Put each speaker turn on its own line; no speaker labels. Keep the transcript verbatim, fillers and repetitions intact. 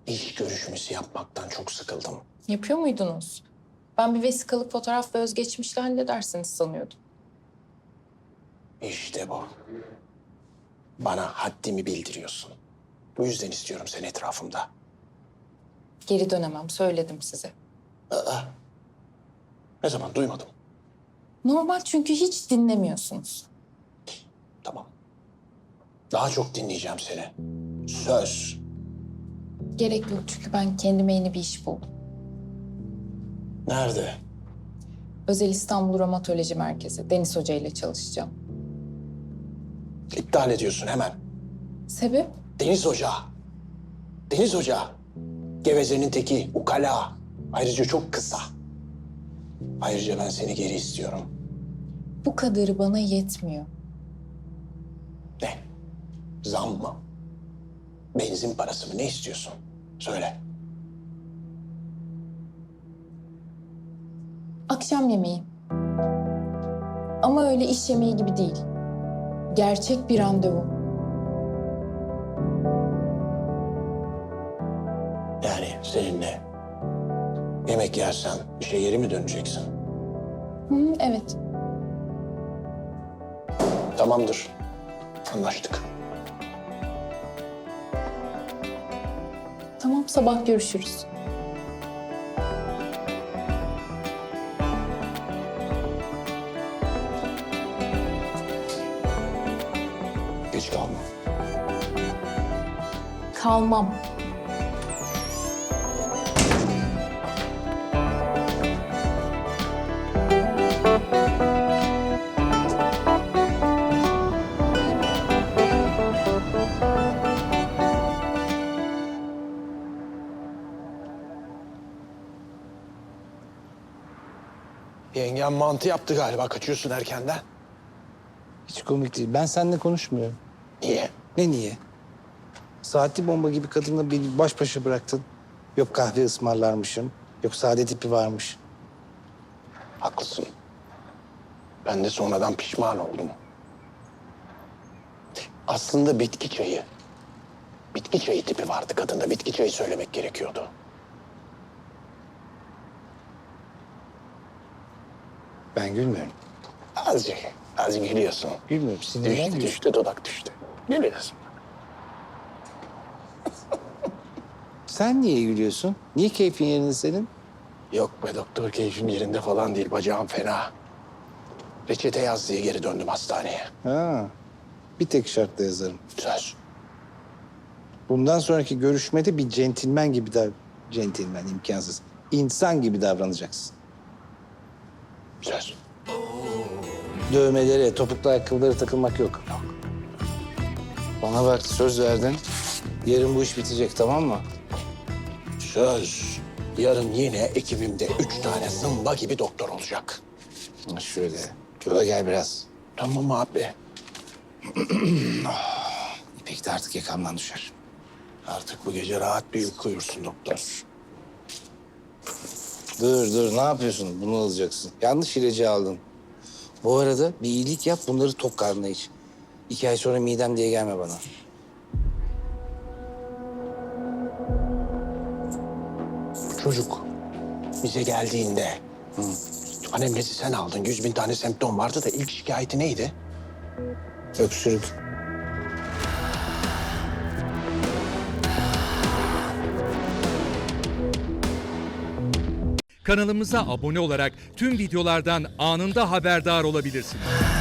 İş görüşmesi yapmaktan çok sıkıldım.
Yapıyor muydunuz? Ben bir vesikalık fotoğraf ve özgeçmişle halledersiniz sanıyordum.
İşte bu. Bana haddimi bildiriyorsun. Bu yüzden istiyorum seni etrafımda.
Geri dönemem, söyledim size.
Aa, ne zaman duymadım.
Normal çünkü hiç dinlemiyorsunuz.
Tamam. Daha çok dinleyeceğim seni. Söz.
Gerek yok çünkü ben kendime yeni bir iş buldum.
Nerede?
Özel İstanbul Romatoloji Merkezi, Deniz Hoca ile çalışacağım.
İptal ediyorsun hemen.
Sebep?
Deniz Hoca. Deniz Hoca. Gevezenin teki, ukala. Ayrıca çok kısa. Ayrıca ben seni geri istiyorum.
Bu kadarı bana yetmiyor.
Ne? Zam mı? Benzin parası mı? Ne istiyorsun? Söyle.
Akşam yemeği. Ama öyle iş yemeği gibi değil. Gerçek bir randevu.
Yani seninle yemek yersen işe geri mi döneceksin?
Hı, evet.
Tamamdır. Anlaştık.
Tamam, sabah görüşürüz.
Geç kalma.
Kalmam.
Yengem mantı yaptı galiba. Kaçıyorsun erkenden.
Hiç komik değil. Ben seninle konuşmuyorum.
Niye?
Ne niye? Saatli bomba gibi kadınla beni baş başa bıraktın. Yok kahve ısmarlarmışım. Yok sade tipi varmış.
Haklısın. Ben de sonradan pişman oldum. Aslında bitki çayı. Bitki çayı tipi vardı kadında. Bitki çayı söylemek gerekiyordu.
Ben gülmüyorum.
Azıcık, azıcık gülüyorsun.
Gülmüyorum. Sinirden
Düştü,
gülüyorum.
düştü, dudak düştü. Gülüyorsun.
Sen niye gülüyorsun? Niye keyfin yerinde senin?
Yok be doktor, keyfim yerinde falan değil. Bacağım fena. Reçete yaz diye geri döndüm hastaneye.
Ha. Bir tek şartla yazarım.
Söz.
Bundan sonraki görüşmede bir centilmen gibi dav... Centilmen imkansız. İnsan gibi davranacaksın.
Söz.
Dövmelere, topuklu ayakkabılara takılmak yok. Yok. Bana bak söz verdin. Yarın bu iş bitecek tamam mı?
Söz. Yarın yine ekibimde üç tane zımba gibi doktor olacak.
Ha, şöyle. Şöyle gel biraz.
Tamam abi.
İpek de artık yakamdan düşer.
Artık bu gece rahat bir uyku uyursun doktor.
Dur dur ne yapıyorsun? Bunu alacaksın. Yanlış ilacı aldın. Bu arada bir iyilik yap bunları tok karnına iç. İki ay sonra midem diye gelme bana.
Bu çocuk bize geldiğinde... Hı. Anemnezi sen aldın. Yüz bin tane semptom vardı da ilk şikayeti neydi?
Öksürük.
Kanalımıza abone olarak tüm videolardan anında haberdar olabilirsiniz.